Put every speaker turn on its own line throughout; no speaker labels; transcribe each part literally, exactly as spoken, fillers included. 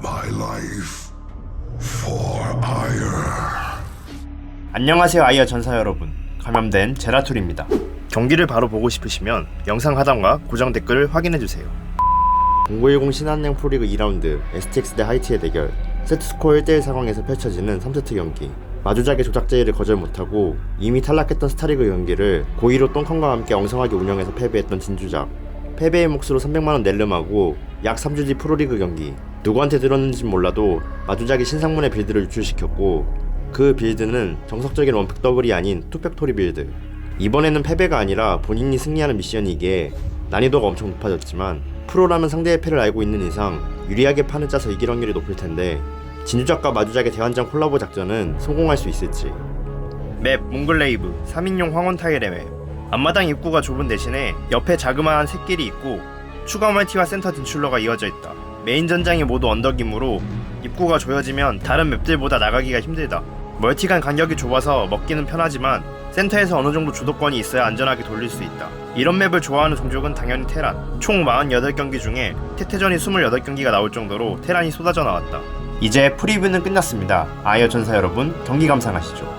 my life for ire.
안녕하세요 아이어 전사 여러분, 감염된 제라툴입니다. 경기를 바로 보고 싶으시면 영상 하단과 고정 댓글을 확인해주세요. 공구일공 신한은행 프로리그 이 라운드 에스티엑스 대 하이티의 대결. 세트스코어 일 대 일 상황에서 펼쳐지는 삼 세트 경기. 마주작의 조작 제의를 거절 못하고 이미 탈락했던 스타리그 경기를 고의로 똥컨과 함께 엉성하게 운영해서 패배했던 진주작. 패배의 몫으로 삼백만원 낼름하고 약 삼 주 뒤 프로리그 경기. 누구한테 들었는진 몰라도 마주작이 신상문의 빌드를 유출시켰고, 그 빌드는 정석적인 원팩 더블이 아닌 투팩토리 빌드. 이번에는 패배가 아니라 본인이 승리하는 미션이기에 난이도가 엄청 높아졌지만, 프로라면 상대의 패를 알고 있는 이상 유리하게 판을 짜서 이길 확률이 높을 텐데, 진주작과 마주작의 대환장 콜라보 작전은 성공할 수 있을지. 맵 몽글레이브 삼 인용 황혼 타일의 맵. 앞마당 입구가 좁은 대신에 옆에 자그마한 샛길이 있고 추가 멀티와 센터 진출로가 이어져 있다. 메인 전장이 모두 언덕이므로 입구가 조여지면 다른 맵들보다 나가기가 힘들다. 멀티 간 간격이 좁아서 먹기는 편하지만 센터에서 어느정도 주도권이 있어야 안전하게 돌릴 수 있다. 이런 맵을 좋아하는 종족은 당연히 테란. 총 사십팔 경기 중에 태태전이 이십팔 경기가 나올 정도로 테란이 쏟아져 나왔다. 이제 프리뷰는 끝났습니다. 아이어 전사 여러분, 경기 감상하시죠.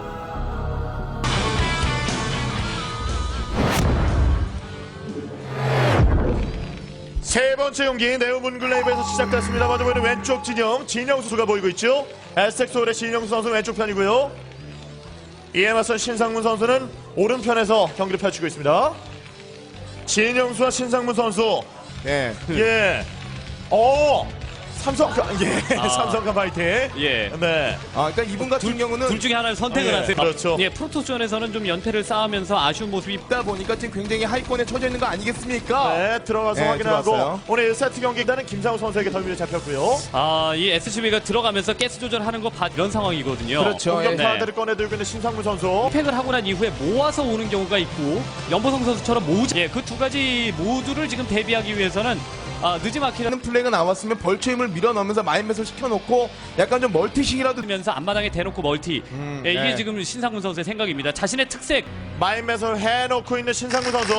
세 번째 경기 네오문글레이브에서 시작됐습니다. 먼저 보이는 왼쪽 진영, 진영 선수가 보이고 있죠. 에스텍소울의 진영 선수 왼쪽 편이고요. 이에 맞선 신상문 선수는 오른편에서 경기를 펼치고 있습니다. 진영수와 신상문 선수.
예.
예. 어. 삼성카, 예,
아.
삼성카 파이팅.
예.
네.
아, 그러니까 이분 같은 경우는
둘 중에 하나를 선택을
예,
하세요.
그렇죠.
예, 프로토스전에서는 좀 연패를 쌓으면서 아쉬운 모습이
있다 보니까 지금 굉장히 하위권에 처져 있는 거 아니겠습니까?
네, 들어가서
네,
확인하고
들어왔어요.
오늘 일 세트 경기 일단은 김상우 선수에게 덜미를 잡혔고요.
아, 이 에스씨비가 들어가면서 가스 조절하는 거 봐 이런 상황이거든요.
그렇죠.
공격
네.
타워들을 꺼내들고 있는 신상문 선수.
팩을 하고 난 이후에 모아서 오는 경우가 있고 연보성 선수처럼 모으자. 예, 그 두 가지 모두를 지금 대비하기 위해서는 아, 늦지막히는
하는 플레이가 나왔으면 벌초 힘을 밀어넣으면서 마인맷을 시켜놓고 약간 좀 멀티식이라도
면서 앞마당에 대놓고 멀티.
음,
예, 이게
네.
지금 신상문 선수의 생각입니다. 자신의 특색.
마인맷을 해놓고 있는 신상문 선수.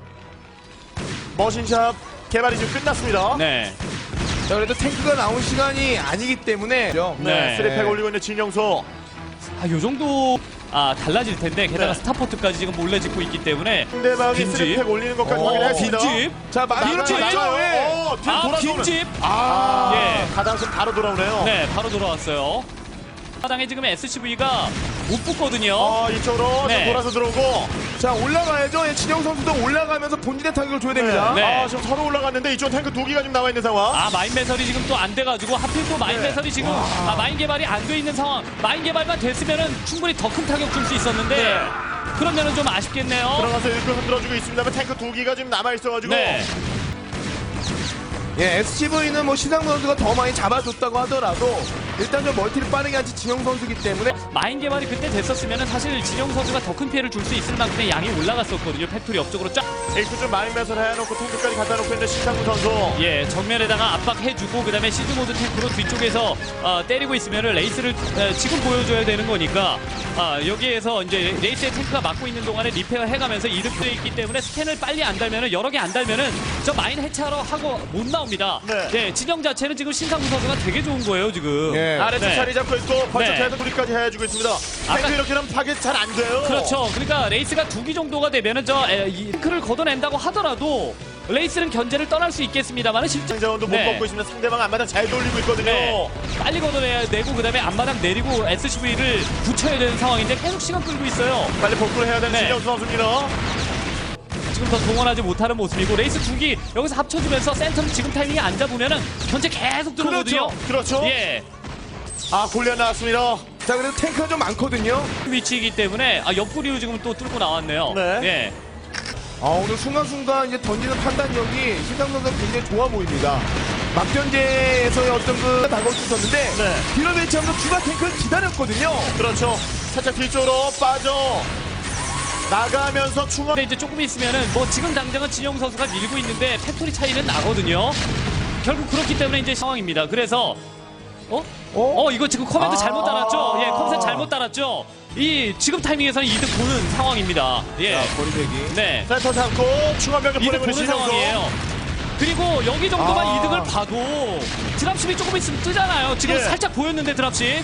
머신샵 개발이 지금 끝났습니다.
네.
자, 그래도 탱크가 나온 시간이 아니기 때문에
네,
네.
쓰리팩 올리고 있는 진영수.
아, 요 정도 아, 달라질 텐데 게다가
네.
스타포트까지 지금 몰래 짓고 있기 때문에
상대방이
빈집.
쓰리팩 올리는 것까지
어,
확인했습니다.
빈집.
자,
빈집!
맞죠? 예.
어, 뒤로
아,
돌아서 오는.
빈집.
아,
예.
가장선 바로 돌아오네요.
네, 바로 돌아왔어요. 마당에 지금 에스씨비가 못 붙거든요.
어, 이쪽으로
네.
지금 돌아서 들어오고.
자, 올라가야죠. 예, 진영 선수도 올라가면서 본진의 타격을 줘야 됩니다.
네.
아, 지금 서로 올라갔는데 이쪽 탱크 두 기가 지금 나와 있는 상황.
아, 마인 배설이 지금 또 안 돼가지고 하필 또 마인
네.
배설이 지금 아, 마인 개발이 안 돼 있는 상황. 마인 개발만 됐으면은 충분히 더 큰 타격 줄 수 있었는데
네.
그러면은 좀 아쉽겠네요.
들어가서 일꾼 흔들어주고 있습니다만 탱크 두 기가 지금 남아 있어가지고.
네.
예, 에스씨브이는 뭐 신상 선수가 더 많이 잡아줬다고 하더라도 일단 좀 멀티를 빠르게 한지 진영 선수기 때문에
마인 개발이 그때 됐었으면은 사실 진영 선수가 더 큰 피해를 줄 수 있을 만큼의 양이 올라갔었거든요. 팩토리 옆쪽으로 쫙.
일꾼 좀 마인맷을 해놓고 탱크까지 갖다 놓고 있는 신상문 선수.
예, 정면에다가 압박해주고 그다음에 시즈 모드 탱크로 뒤쪽에서 어, 때리고 있으면은 레이스를 어, 지금 보여줘야 되는 거니까 아, 여기에서 이제 레이스의 탱크가 막고 있는 동안에 리페어 해가면서 이득돼 있기 때문에 스캔을 빨리 안 달면은 여러 개 안 달면은 저 마인 해체하러 하고 못 나옵니다.
네.
예, 진영 자체는 지금 신상무 선수가 되게 좋은 거예요 지금.
예.
아래쪽
네.
자리 잡고 있고 벌써
네.
대도리까지 해주고 있습니다. 탱크
아까-
이렇게 하면 파괴 잘 안 돼요.
그렇죠. 그러니까 레이스가 두 기 정도가 되면은 저 에, 이 탱크를 걷어낸다고 하더라도 레이스는 견제를 떠날 수 있겠습니다만은 실제
상자원도 못
네.
먹고 있습니다. 상대방 앞마당 잘 돌리고 있거든요.
네. 빨리 걷어내고 그다음에 앞마당 내리고 에스씨비를 붙여야 되는 상황인데 계속 시간 끌고 있어요.
빨리 복구를 해야 되는
네.
진영수 선수입니다.
지금 더 동원하지 못하는 모습이고 레이스 두 기 여기서 합쳐주면서 센터를 지금 타이밍에 안 잡으면은 견제 계속 들어오거든요.
그렇죠.
예,
아 골리앗 나왔습니다.
자, 그래도 탱크가 좀 많거든요.
위치이기 때문에 아, 옆구리로 지금 또 뚫고 나왔네요.
네.
예,
아, 오늘 순간순간 이제 던지는 판단력이 신상 선수가 굉장히 좋아 보입니다. 막전제에서의 어떤 그 다가올 수 있었는데
네.
뒤로 배치하면서 추가 탱크를 기다렸거든요.
그렇죠. 살짝 뒤쪽으로 빠져 나가면서 충원.
근데 이제 조금 있으면은 뭐 지금 당장은 진영 선수가 밀고 있는데 팩토리 차이는 나거든요. 결국 그렇기 때문에 이제 상황입니다. 그래서 어?
어?
어 이거 지금 커맨드
아.
잘못 달았죠? 예, 컴셋 잘못 달았죠? 이 지금 타이밍에서는 이득 보는 상황입니다. 예.
자, 거리대기.
네.
센터 잡고 충원병을
이득
보내고 있는
보는
신영수.
상황이에요. 그리고 여기 정도만
아.
이득을 봐도 드랍십이 조금 있으면 뜨잖아요. 지금
예.
살짝 보였는데 드랍십.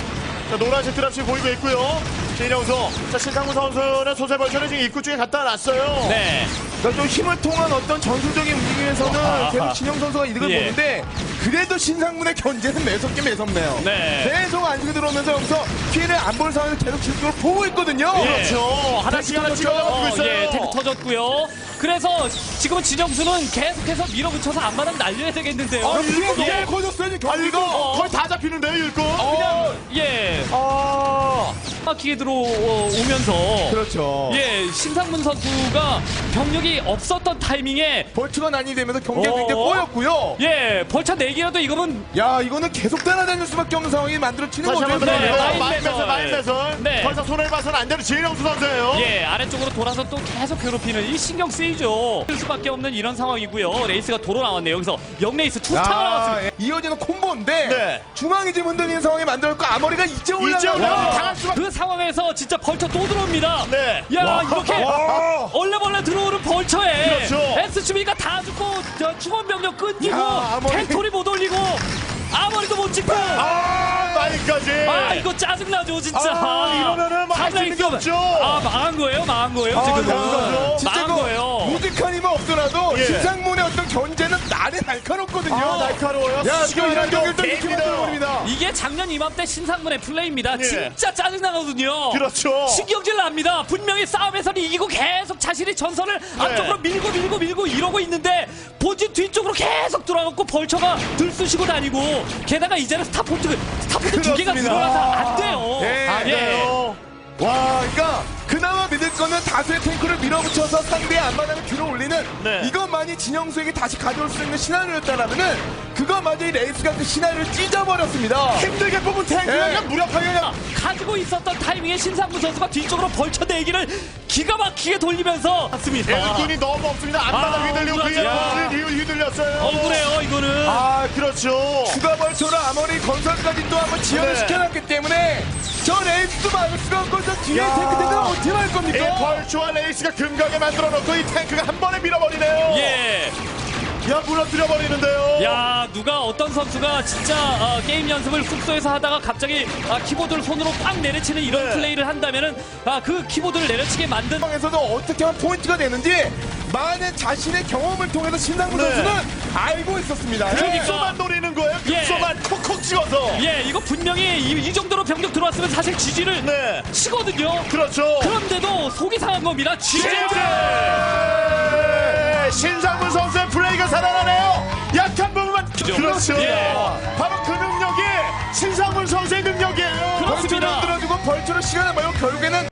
자, 노란색 드랍시 보이고 있고요. 진영수. 자, 신상문 선수는 소세 벌처를 지금 입구 쪽에 갖다 놨어요.
네.
그러니까 좀 힘을 통한 어떤 전술적인 움직임에서는 계속 진영 선수가 이득을
예.
보는데 그래도 신상문의 견제는 매섭게 매섭네요.
네.
계속 안쪽에 들어오면서 여기서 피해를 안 볼 상황에서 계속 집중을 보고 있거든요.
예.
그렇죠. 하나씩 하나씩
터졌죠?
올라가고 있어요.
예, 탱크 터졌고요. 그래서 지금은 진영수는 계속해서 밀어붙여서 앞마당 날려야 되겠는데요.
아, 이게
예.
너무 커졌어요, 지금
아, 이거
경기가.
거의 다 잡히는데요, 일꾼.
어,
예.
아,
막히게 들어오면서
그렇죠.
예, 신상문 선수가 병력이 없었던 타이밍에
벌츠가 난이 되면서 경기가
어.
굉장히 꼬였고요.
예, 벌차 네 개라도 이거는
야, 이거는 계속 따라다닐 수밖에 없는 상황이 만들어지는
다시
거죠.
한번
네,
들어가요.
마인
마인 매설,
매설.
마인 매설.
네.
더 이상 손을 봐서는 안 되는 진영수 선수예요.
예, 아래쪽으로 돌아서 또 계속 괴롭히는 이 신경 쓰이죠. 쓸 수밖에 없는 이런 상황이고요. 레이스가 도로 나왔네요. 여기서 영레이스 투스타 나왔습니다.
야, 이어지는 콤보인데
네.
중앙이 지금 흔들리는 상황이 만들었고 아머리가 이제 올라가요.
이제 올라가면 당할 수밖에.
그 상황에서 진짜 벌처 또 들어옵니다.
네.
야,
와.
이렇게
와.
얼레벌레 들어오는 벌처에
그렇죠.
에스씨비가 다 죽고 저 충원 병력 끊기고
야, 아머리.
팩토리 못 올리고 아머리도 못 찍고
아, 마인까지.
아 이거 짜증나죠 진짜.
아, 이러면은 뭐할수 있는 게
탑라인
없죠.
아 망한 거예요, 망한 거예요
아,
지금은.
그렇죠.
진짜
망한
그
거예요.
무직한 힘은 없더라도
예.
신상문의 어떤 견제는 날에 날카롭거든요.
아, 날카로워요.
야,
수시가
지금 이런
이런
경기를 또 이렇게
개입니다.
만들어버립니다.
이게 작년 이맘때 신상문의 플레이입니다.
예.
진짜 짜증나거든요.
그렇죠.
신경질 납니다. 분명히 싸움에서는 이기고 계속 자신이 전선을
네.
앞쪽으로 밀고 밀고 밀고 이러고 있는데 본진 뒤쪽으로 계속 돌아가고 벌처가 들쑤시고 다니고 게다가 이제는 스타포트 스타포트 두 개가
그렇습니다.
늘어나서 안 돼요.
예.
안 돼요.
와, 그러니까 그나마 믿을 거는 다수의 탱크를 밀어붙여서 상대의 앞마당을 뒤로 올리는
네.
이것만이 진영수에게 다시 가져올 수 있는 시나리오였다라면은 그것마저 이 레이스가 그 시나리오를 찢어버렸습니다.
힘들게 뽑은 탱크가
예.
그냥 무력하게 그냥.
가지고 있었던 타이밍에 신상무 선수가 뒤쪽으로 벌쳐 내기를 기가 막히게 돌리면서 맞습니다.
일꾼이 너무 없습니다. 앞마당
아,
휘둘리고 그
억울하죠.
일꾼이 휘둘렸어요.
억울해요 이거는.
아, 그렇죠.
추가 벌초로 아머리 건설까지 또 한번 지연을
네.
시켜놨기 때문에 저 레이스도 막을 수가 없고 저 뒤에
야.
탱크들은 어떻게 할
이
겁니까?
벌초와 레이스가 금강에 만들어 놓고 이 탱크가 한 번에 밀어버리네요.
예.
야, 무너뜨려 버리는데요.
야 누가 어떤 선수가 진짜 어, 게임 연습을 숙소에서 하다가 갑자기 아, 키보드를 손으로 꽉 내려치는 이런
네.
플레이를 한다면은 아, 그 키보드를 내려치게 만든
상황에서도 어떻게 하면 포인트가 되는지 많은 자신의 경험을 통해서 신상무
네.
선수는 알고 있었습니다.
그러니까.
급소만 노리는 거예요.
예.
급소만 콕콕 찍어서.
예 이거 분명히 이, 이 정도로 병력 들어왔으면 사실 지지를
네.
치거든요.
그렇죠.
그런데도 속이 상한 겁니다. 지지.
네. 신상문 선수의 플레이가 살아나네요. 약한 부분만. 그렇죠.
예.
바로 그 능력이 신상문 선수의 능력이에요.
벌초를
그렇습니다.
흔들어주고 벌초로 시간을 벌고 결국에는